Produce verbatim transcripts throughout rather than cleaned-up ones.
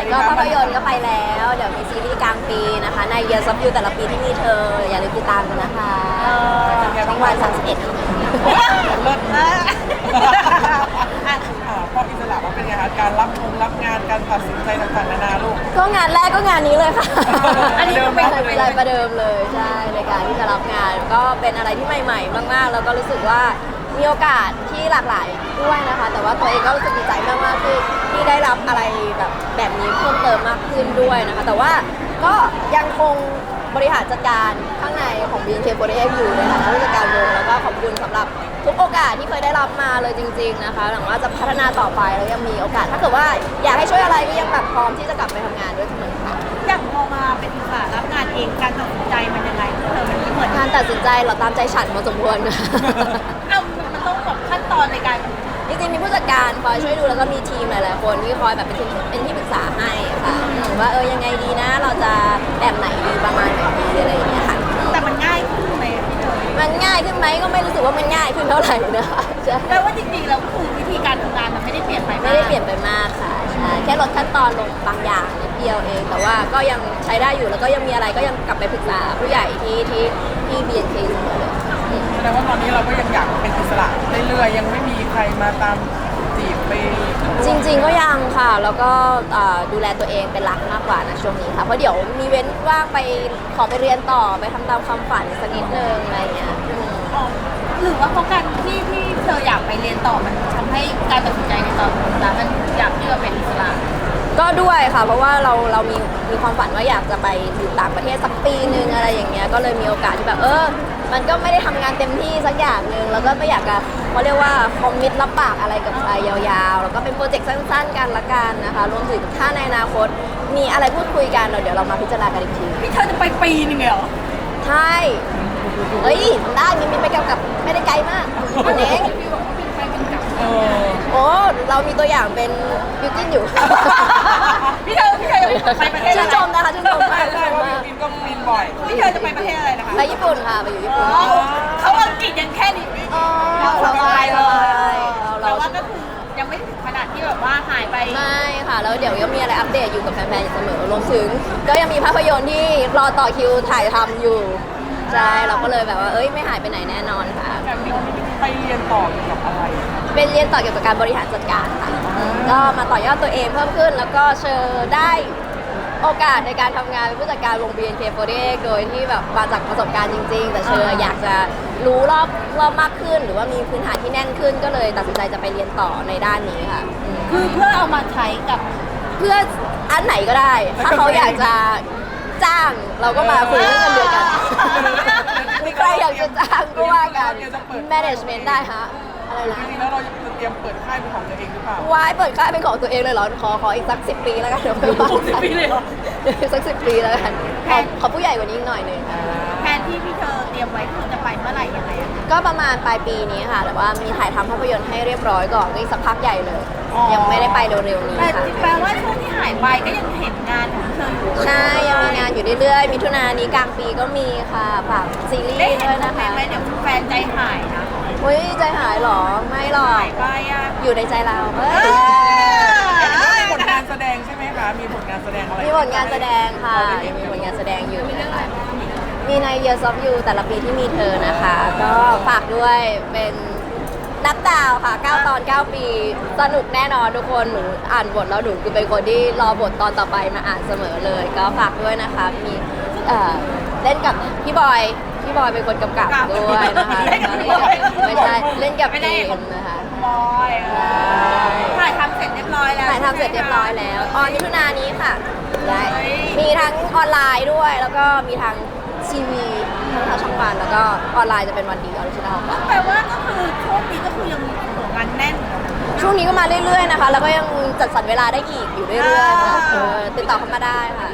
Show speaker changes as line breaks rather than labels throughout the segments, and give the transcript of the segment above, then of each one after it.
ก็ภาพยนตร์ก็ไปแล้วเดี๋ยวมีซีรีส์กลางปีนะคะใน Years of You แต่ละปีที่มีเธออย่าลืมติดตามกันนะคะช่องวันสามสิบเอ็ด
เลิศนะพออิสระมาเป็นไงคะการรับงรับงานการตัดสินใจต่างๆนานาลูก
ก็งานแรกก็งานนี้เลยค่ะ
อันนี้ก็เป็น
เป็นอะไรประเดิมเลยใช่ในการที่จะรับงานก็เป็นอะไรที่ใหม่ๆมากๆแล้วก็รู้สึกว่ามีโอกาสที่หลากหลายด้วยนะคะ แต่ว่าตัวเองก็รู้สึกดีใจมากๆที่ที่ได้รับอะไรแบบแบบนี้เพิ่มเติมมากขึ้นด้วยนะคะแต่ว่าก็ยังคงบริหารจัดการข้างในของ บี เอ็น เค สี่สิบเอ็ด อยู่ในฐานะผู้จัดการวงแล้วก็ขอบคุณสำหรับทุกโอกาสที่เคยได้รับมาเลยจริงๆนะคะหวังว่าจะพัฒนาต่อไปแล้วยังมีโอกาสถ้าเกิดว่าอยากให้ช่วยอะไรก็ยังแบบพร้อมที่จะกลับไปทำงานด้วยเสมอค่ะ
อย่างพอมาเป็นอิสระรับงานเองการตัดสินใจมันยังไงเธอมันไม่เหมือน
การตัดสินใจเราตามใจฉันพอสมควร
เอ้ามันต้องแบบขั้นตอนในการ
จริงๆมีผู้จัดการคอยช่วยดูแล้วก็มีทีมหลายๆคนที่คอยแบบเป็นที่เป็นที่ปรึกษาให้ค่ะว่าเออยังไงดีนะเราจะแบบไหนดีประมาณไหนดีอะไรอย่างเงี้ยค่ะ
แต่มันง่ายขึ้นไหมพี่เธอ
มันง่ายขึ้นไหมก็ไม่รู้สึกว่ามันง่ายขึ้นเท่าไหร่นะคะใช่
แปลว่าจริงๆแล้วคือวิธีการทำงานมันไม่ได้เปลี่ยนไป
ไม่ได้เปลี่ยนไปมากค่ะใช่แค่ลดขั้นตอนลงบางอย่างนิดเดียวเอง แต่ว่าก็ยังใช้ได้อยู่แล้วก็ยังมีอะไรก็ยังกลับไปปรึกษาผู้ใหญ่ที่ที่ที่ บี เอ็น เค เสมอเลย
แสดงว่าตอนนี้เราก็ยังอยากเป็นอิสระเรื่อยๆยังไม่มีใครมาตามจีบไป
จริงๆก็ยังค่ะ แล้วก็เอ่อดูแลตัวเองเป็นหลักมากกว่านะช่วงนี้ค่ะ เพราะเดี๋ยวมีเว้นว่างไปขอไปเรียนต่อไปทำตามความฝันสักนิดนึงอะไรอย่างเงี้ยอืม
อ๋อหรือว่าเพราะการที่ที่เธออยากไปเรียนต่อมันทำให้การตัดสินใจในตอนนั้นมันอยากที่จะเป็นอิสระ
ก็ด้วยค่ะ เพราะว่าเราเรามีมีความฝันว่าอยากจะไปอยู่ต่างประเทศสักปีนึงอะไรอย่างเงี้ย ก็เลยมีโอกาสที่แบบเออ มันก็ไม่ได้ทำงานเต็มที่สักอย่างหนึ่งแล้วก็ไม่อยากจะเขาเรียกว่าคอมมิตรับปากอะไรกับใครยาวๆ แล้วก็เป็นโปรเจกต์สั้นๆกันละกันนะคะ รวมถึงถ้าในอนาคตมีอะไรพูดคุยกันเราเดี๋ยวเรามาพิจารณากันอีกที
พี่เธอจะไปปีนึงเหรอ
ใช่ เฮ้ยทำได้มีมีไปกับกับไม่ได้ไกลมากอันเอง
เออ
โอ้ เรามีตัวอย่างเป็นบิวกิ้นอยู่
พี่เธอพี่เธอจะไปประเทศ
ชื่
อะ
น
ไร
ชมนะคะชื่นชม
ใช่
มาก
ใช่ว่าบินก็บินบ่อย
พี่เธอจะไปประเทศอะไรนะคะ
ไปญี่ปุ่นค่ะ ไปอยู่ญี่ปุ่น
อ๋อเขาอังกฤษยังแค่นี้
อ๋อ
เราสบายเลย
เรา
แต่ว่าก็คือยังไม่ถึงขนาดที่แบบว่าหายไป
ไม่ค่ะ แล้วเดี๋ยวยังมีอะไรอัปเดตอยู่กับแฟนๆอยู่เสมอ รวมถึง ก็ยังมีภาพยนตร์ที่รอต่อคิวถ่ายทำอยู่ ใช่ เราก็เลยแบบว่า เอ้ย ไม่หายไปไหนแน่นอนค่ะ
แต่บินไปเรียนต่อเกี่ยวกับอะไร
เป็นเรียนต่อเกี่ยวกับการบริหารจัดการค่ะ ก็มาต่อยอดตัวเองเพิ่มขึ้น แล้วก็เชิญได้โอกาสในการทำงานเป็นผู้จัดการวง บี เอ็น เค สี่สิบเอ็ด โดยที่แบบมาจากประสบการณ์จริง ๆ แต่เชิญอยากจะรู้รอบรอบมากขึ้น หรือว่ามีพื้นฐานที่แน่นขึ้น ก็เลยตัดสินใจจะไปเรียนต่อในด้านนี้ค่ะอืม
คือเพื่อเอามาใช้กับ
เพื่ออันไหนก็ได้ ถ้าเขาอยากจะจ้างเราก็มาคุยเรื่องเงินเดือนกันใครอยากจะจ้างก็ว่ากัน management ได้ฮะอะไรนะ
จริงๆแล้วเราจะเตรียมเปิดค่ายเป็นของตัวเองหรือเปล่า
วายเปิดค่ายเป็นของตัวเองเลยเหรอ ขอขออีกสักสิบปีแล้วกันเดี๋ยวไปว่ากัน
สิบปีเลยเหรอ
สักสิบปีแล้วกันขอขอผู้ใหญ่กว่านี้อีกหน่อยหนึง
แผนที่พี่เธอเตรียมไว้คือจะไปเมื่อไหร่ยังไงอะ
ก็ประมาณปลายปีนี้ค่ะ แต่ว่ามีถ่ายทำภาพยนตร์ให้เรียบร้อยก่อนก็อีกสักพักใหญ่เลย ยังไม่ได้ไปเร็วๆนี้
แต่
ค่ะ
แปลว่าช่วงที่หายไปก็ยังเห็นงานของเธออยู่
ใช่ ยังมีงานอยู่เรื่อยๆมิถุนายนนี้กลางปีก็มีค่ะฝากซีรีส์
ได้เห็น
ด้วย
โม
นะ
เมน
คะ
ต์ไหมเดี๋ยวแฟนใจหายนะ
เฮ้ยใจหายเหรอ ไม่หรอก
หายไปอ่ะ
อยู่ในใจเราเฮ้ย
มีผลงานแสดงใช่ไหมคะ มีผลงานแสดงอะไร
มีผลงานแสดงค่ะยังมีผลงานแสดงอยู่นะคะมีใน Years of You แต่ละปีที่มีเธอนะคะ ก็ฝากด้วยเป็นนับดาวค่ะเก้าตอนเก้าปี สนุกแน่นอนทุกคน หนูอ่านบทแล้วหนูคือเป็นคนที่รอบทตอนต่อไปมาอ่านเสมอเลย ก็ฝากด้วยนะคะ มีเอ่อเล่นกับพี่บอย พี่บอยเป็นคนกำกับด้วยนะคะไม่ใช่เล่นกับทีมนะคะ
บอยถ่ายทำเสร็จเรียบร้อยแล้ว
ถ่ายทำเสร็จเรียบร้อยแล้วออนมิถุนายนนี้ค่ะได้มีทั้งออนไลน์ด้วย แล้วก็มีทั้งทีวีทั้งทางช่องวันแล้วก็ออนไลน์จะเป็นวันดีออริจินอลค่ะ
แปลว่าก็คือช่วงนี้ก็คือยังมีงานแน่น
ช่วงนี้ก็มาเรื่อยๆนะคะ แล้วก็ยังจัดสรรเวลาได้อีกอยู่เรื่อยๆค่ะเออติดต่อเข้ามาได้ค่ะ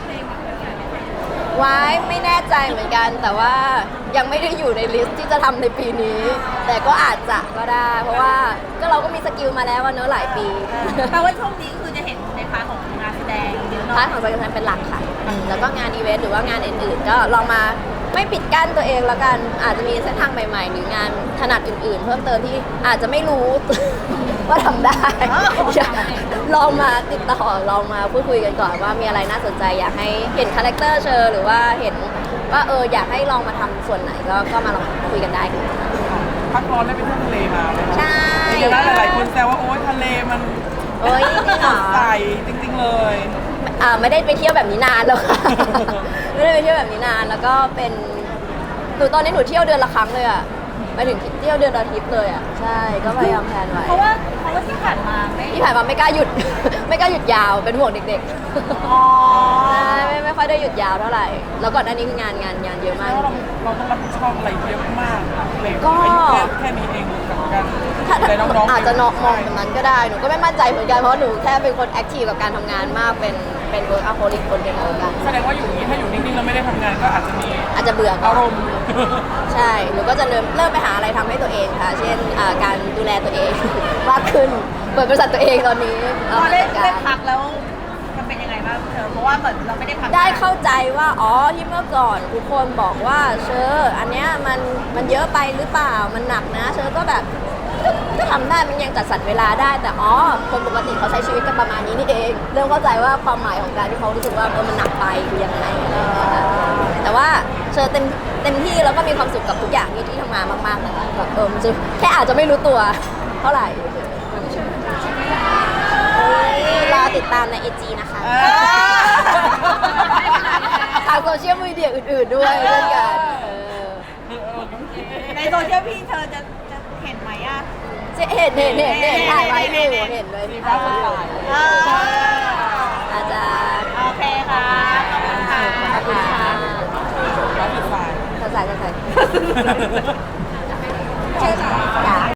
ว้ายไม่แน่ใจเหมือนกัน แต่ว่ายังไม่ได้อยู่ในลิสต์ที่จะทำในปีนี้ แต่ก็อาจจะก็ได้ เพราะว่าก็เราก็มีสกิลมาแล้วว่าเนอะหลายปี
แปลว่าช่วงนี้คือจะเห็นในพาร์ทของงานแสดงเยอะหน่
พา
อ
ร์
ย
ทของการแสดงเป็นหลักค่ะ แล้วก็งานอีเวนต์หรือว่างานอื่นๆ ก็ลองมาไม่ปิดกั้นตัวเองแล้วกัน อาจจะมีเส้นทางใหม่ๆ หรืองานถนัดอื่นๆ เพิ่มเติมที่อาจจะไม่รู้ ว่าทำได้ รลองมาติดต่อลองมาพูดคุยกันก่อนว่ามีอะไรน่าสนใจอยากให้เห็นคาแรคเตอร์เชอร์หรือว่าเห็นว่าเอออยากให้ลองมาทำส่วนไหนก็ก็มาลองคุยกันได้ค่ะ
พักร้อนได้ไปเที่ยวทะเลมาไหมคะ
ใช่
จริงๆแล้วหลายๆคนแซวว่าโอ๊ยทะเลมัน
โอ้ยจริงเหรอ
ใสจริงๆเลย
อ่าไม่ได้ไปเที่ยวแบบนี้นานแล้วค่ะ ไม่ได้ไปเที่ยวแบบนี้นานแล้วก็เป็นหนูตอนนี้หนูเที่ยวเดือนละครั้งเลยอ่ะไปถึงเที่ยวเดือนละทริปเลยอ่ะใช่ก็พยายามแพลนไว้
เพราะว่าเพราะว่าที่ผ่านมาไม่
ที่ผ่านมาไม่กล้าหยุด ไม่กล้าหยุดยาวเป็นห่วงเด็ก
อ๋อ
ๆใช่ไม่ไม่ค่อยได้หยุดยาวเท่าไหร่ แล้วก่อนหน้านี้คืองานงานงานเยอะมาก
แล้วเราเราต้องรับผิดชอบอะไรเยอะมากเลย
ก็
อายุแค่แค่นี้เองกับการ
ถ้า
ดูแลน้องๆ
อาจจะนอกมอง
ใช่
แบบนั้นก็ได้หนูก็ไม่มั่นใจเหมือนกันเพราะหนูแค่เป็นคนแอคทีฟกับการทำงานมากเป็นเป็นเวิร์กอัพโฮลิกคนหนึ่งเหมือนกัน
แสดงว่าอยู่อย่างนี้ถ้าอยู่นิ่งๆแล้วไม่ได้ทำงานก็อาจจะมี
อาจจะเบื่อก่อ
อาน รมณ์
ใช่ หนูก็จะเริ่มเริ่มไปหาอะไรทำให้ตัวเองค่ะ เช่นอ่าการดูแลตัวเอง มากขึ้น เปิดบริษัทตัวเองตอนนี้
พ
เอา
อ
มา
ได้
จัด
ได้
การ
พักแล้วมันเป็นยังไงบ้างเธอเพราะว่าเหมือนเราไม่ได้พัก
ได้เข้าใจว่า อ๋อ ที่เมื่อก่อนทุกคนบอกว่าเชอร์อันเนี้ยมันมันเยอะไปหรือเปล่า มันหนักนะ เชอร์ก็แบบก็ก็ทำได้ มันยังจัดสรรเวลาได้ แต่อ๋อ คนปกติเขาใช้ชีวิตกันประมาณนี้นี่เอง เริ่มเข้าใจว่าความหมายของการที่เขารู้สึกว่าเออมันหนักไปคือยังไงอะไรอย่างเงี้ยค่ะแต่ว่าเชอร์เต็มเต็มที่แล้วก็มีความสุขกับทุกอย่างที่ที่ทำงานมากๆนะคะแบบเออมันจะแค่อาจจะไม่รู้ตัวเท่าไหร่รอติดตามในไอจีนะคะ
เออ
ทางโซเชียลมีเดียอื่นๆด้วยเช่นกันเออ
ในโซเชียลพี่เธอจะจะเห็นไหมอ่ะ
จะเห็นเห็นเห็นเห็นถ่ายไว้อยู่เห็นเลย
สีฟ้าสดใส
อ่า
อาจารย์
โอเคค่ะขอบคุณค่ะ
ขอบคุณค่ะ
ฟ้าสดใส
ภาษาภาษาใช่ค่ะ